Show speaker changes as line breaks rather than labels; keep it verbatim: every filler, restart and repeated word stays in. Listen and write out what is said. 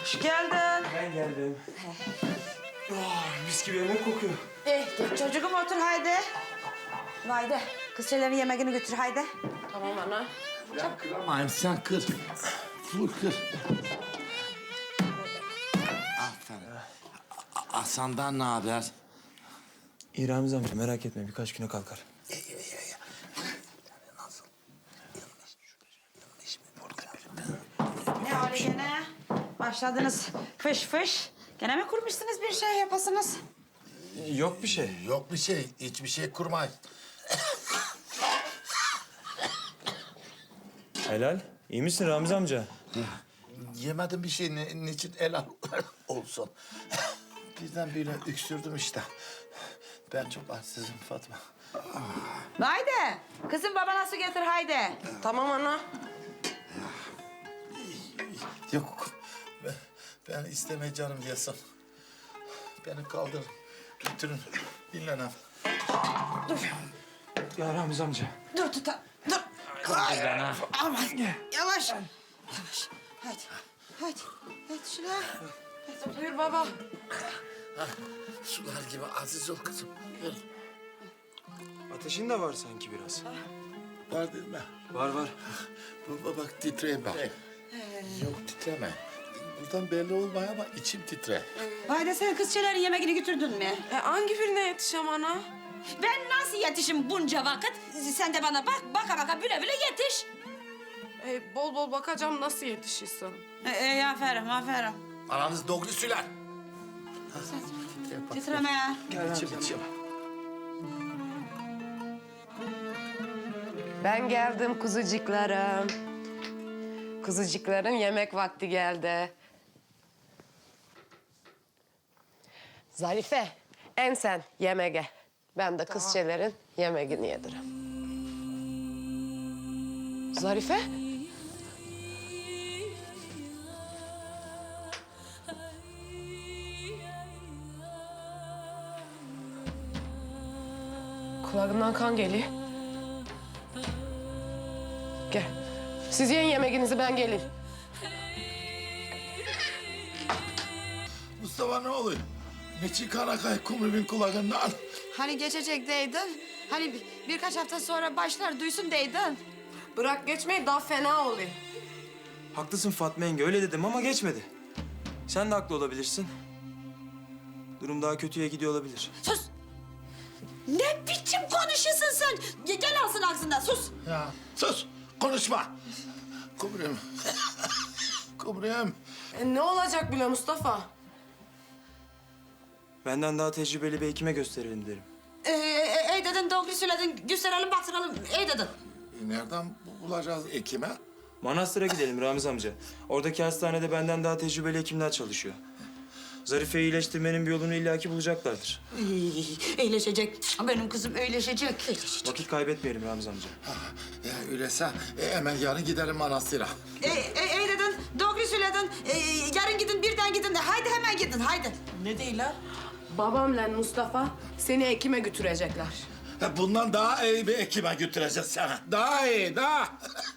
Hoş geldin.
Ben geldim. Oh, mis gibi yemek kokuyor.
Eh, geç çocuğum otur haydi. Haydi. Kız şeylerin yemeğini götür haydi.
Tamam ana.
Ben kıramayayım, sen kır. Vur kır. Aferin. A- Hasan'dan ne haber?
İyi Ramiz amca merak etme birkaç güne kalkar.
Nasıl?
Ne öyle gene? Başladınız fış fış. Gene mi kurmuşsunuz bir şey yapasınız?
Yok bir şey.
Yok bir şey, hiçbir şey kurmayın.
Helal. İyi misin Ramiz amca?
Yemedim bir şey, ne, niçin helal olsun. Birden böyle öksürdüm işte. Ben çok açsızım Fatma.
Haydi. Kızım babana su getir haydi.
Tamam ana.
Yok, ben, ben istemeye canım yesin. Beni kaldırın, götürün, dinlenem.
Ya Ramiz amca.
Dur tuta. Dur.
Kaldır bana.
Aman. Yavaş. Yavaş. Hadi. Hadi. Hadi şuna.
Buyur baba.
Sular gibi aziz ol kızım. Gel.
Ateşin de var sanki biraz.
Var değil mi?
Var var.
Baba bak titreye bak. Yok titreme. Buradan belli olmuyor ama içim titre.
Haydi sen kız şeylerin yemeğini götürdün mü?
E, hangi birine yetişem ana?
Ben nasıl yetişim bunca vakit? Sen de bana bak, baka baka büle büle yetiş.
E, bol bol bakacağım nasıl yetişirsin.
E, e, aferin, aferin.
Aranız doğru söyler.
Titreme ya.
İçim içim.
Ben geldim kuzucuklarım. Kuzucuklarım yemek vakti geldi. Zarife, en sen yemeğe. Ben de kızçelerin yemeğini yedirim. Zarife? Kulağından kan geliyor. Gel. Siz yiyin yemeğinizi, ben geleyim.
Mustafa ne oluyor? Meçin Karakay kumrubin kulağından.
Hani geçecek deydin. Hani bir- birkaç hafta sonra başlar duysun deydin.
Bırak geçmeyi, daha fena oluyor.
Haklısın Fatma yenge öyle dedim ama geçmedi. Sen de haklı olabilirsin. Durum daha kötüye gidiyor olabilir.
Sus! Ne biçim konuşuyorsun sen? Ge- Gel alsın ağzından, sus!
Ya sus, konuşma. Kumrum. Kumrum.
E, ne olacak bile Mustafa?
Benden daha tecrübeli bir hekime gösterelim derim.
Ee, e, ey dedin, doğru söyledin. Gösterelim, baktıralım. Ey dedin.
Nereden bulacağız ekime?
Manastır'a gidelim Ramiz amca. Oradaki hastanede benden daha tecrübeli hekimler çalışıyor. Zarife'yi iyileştirmenin bir yolunu illaki bulacaklardır.
İyi, iyileşecek. Benim kızım iyileşecek. İyileşecek.
Vakit kaybetmeyelim Ramiz amca.
Ya öyleyse e, hemen yarın gidelim manastıra.
Ey, ey, ey dedin, doğru söyledin. Ee, yarın gidin, birden gidin. Haydi hemen gidin, haydi.
Ne değil ha? Babamla Mustafa seni Ekim'e götürecekler.
Ha, bundan daha iyi bir ekime götüreceğiz sana. Daha iyi, daha.